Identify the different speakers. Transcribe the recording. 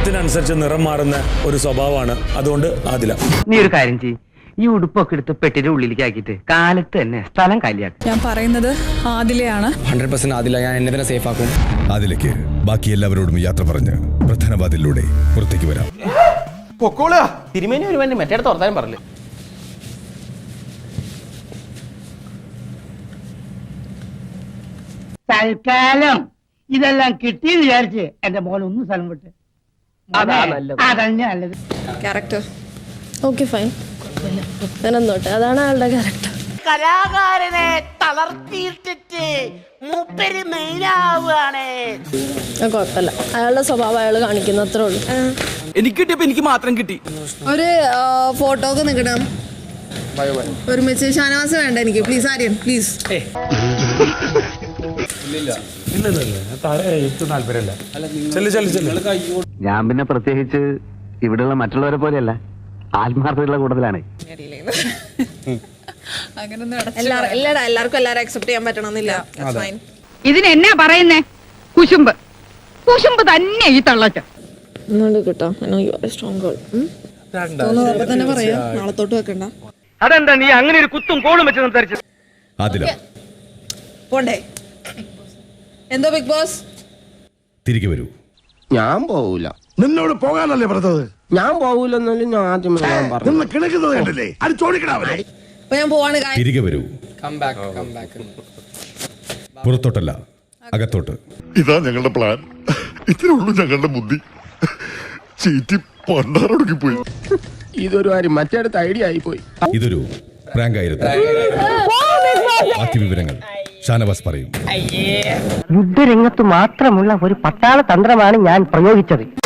Speaker 1: സാഹചര്യത്തിനനുസരിച്ച് നിറം മാറുന്ന ഒരു സ്വഭാവമാണ്. അതുകൊണ്ട് ആദില.
Speaker 2: നീ ഒരു കാര്യം ചെയ്യ്, ഈ ഉടുപ്പൊക്കെ എടുത്ത് പെട്ടിന്റെ ഉള്ളിലേക്ക് ആക്കിയിട്ട് കാലത്ത് തന്നെ സ്ഥലം കാലിയാക്കും.
Speaker 3: ഞാൻ പറയുന്നത് ആദിലയാണ്.
Speaker 4: 100% ആദില. ഞാൻ എന്നെ തന്നെ സേഫ് ആക്കും.
Speaker 5: ആദിലയ്ക്ക് ബാക്കി എല്ലാവരോടും യാത്ര പറഞ്ഞ് പ്രധാന വാതിലൂടെ പുറത്തേക്ക് വരാം.
Speaker 4: തിരുമേനി ഒരു വേണ്ടി മറ്റേ തുറത്താനും പറഞ്ഞു.
Speaker 6: തൽക്കാലം ഇതെല്ലാം കിട്ടി വിചാരിച്ച് എന്റെ മോൻ ഒന്ന് സ്ഥലം വിട്ട് അതന്നെ നല്ലത്.
Speaker 7: ക്യാരക്ടർ ഓക്കെ ഫൈൻ, അങ്ങനൊന്നോട്ടെ, അതാണ് അയാളുടെ ക്യാരക്ടർ.
Speaker 8: കലാകാരനെ തളർത്തിയിട്ടിട്ട് മൂപ്പര് മെയിനാവുകയാണ്.
Speaker 7: കുഴപ്പമില്ല, അയാളുടെ സ്വഭാവം അയാൾ കാണിക്കുന്നു, അത്രേ ഉള്ളൂ.
Speaker 4: എനിക്ക് കിട്ടിയപ്പോ എനിക്ക് മാത്രം കിട്ടി.
Speaker 9: ഒരു ഫോട്ടോ ഒക്കെ നിൽക്കണം ഒരുമിച്ച്. ഷാനവാസ് വേണ്ട എനിക്ക്, പ്ലീസ് ആര്യൻ പ്ലീസ്.
Speaker 2: ഞാൻ പിന്നെ പ്രത്യേകിച്ച് ഇവിടെയുള്ള മറ്റുള്ളവരെ പോലെയല്ല, ആത്മാർത്ഥതയുള്ള കൂടുതലാണ്.
Speaker 9: എല്ലാവർക്കും എല്ലാവരും അക്സെപ്റ്റ് ചെയ്യാൻ പറ്റണമെന്നില്ല.
Speaker 3: ഇതിനെന്നാ പറയുന്നേ? കുശുമ്പ് കുശുമ്പ് തന്നെ ഈ തള്ളച്ച.
Speaker 7: കിട്ടോ സ്ട്രോങ് ഗേൾ
Speaker 9: തന്നെ പറയാം, നാളത്തോട്ട് വെക്കണ്ട.
Speaker 2: അതെന്താ നീ അങ്ങനെ ഒരു കുത്തും കോളും വെച്ച് സംസാരിച്ചത്?
Speaker 5: ആദില
Speaker 9: പോണ്ടേ? എന്തോ ബിഗ് ബോസ്
Speaker 5: തിരികെ വരൂ.
Speaker 10: ഞാൻ പോവൂല.
Speaker 11: നിന്നോട് പോകാനല്ലേ പറഞ്ഞത്?
Speaker 10: ഞാൻ പോവൂലെന്നാലും ഞാൻ ആദ്യമേ ഞാൻ പറഞ്ഞു.
Speaker 11: കിടക്കുന്നത് കണ്ടില്ലേ? അത് ചോദിക്കണേ.
Speaker 9: അപ്പൊ ഞാൻ പോവാണ്.
Speaker 5: തിരികെ വരൂ. പുറത്തോട്ടല്ല, അകത്തോട്ട്.
Speaker 11: ഇതാ ഞങ്ങളുടെ പ്ലാൻ. ഇത്രേ ഉള്ളൂ ഞങ്ങളുടെ ബുദ്ധി. ചീറ്റി പണ്ടാറൊടുക്കി പോയി.
Speaker 10: ഇതൊരു കാര്യം മറ്റേടത്ത് ഐഡിയ ആയി പോയി.
Speaker 5: ഇതൊരു പ്രാങ്ക് ആയിരുന്നു. ബാക്കി വിവരങ്ങൾ ഷാനവാസ് പറയും.
Speaker 2: യുദ്ധരംഗത്ത് മാത്രമുള്ള ഒരു പട്ടാള തന്ത്രമാണ് ഞാൻ പ്രയോഗിച്ചത്.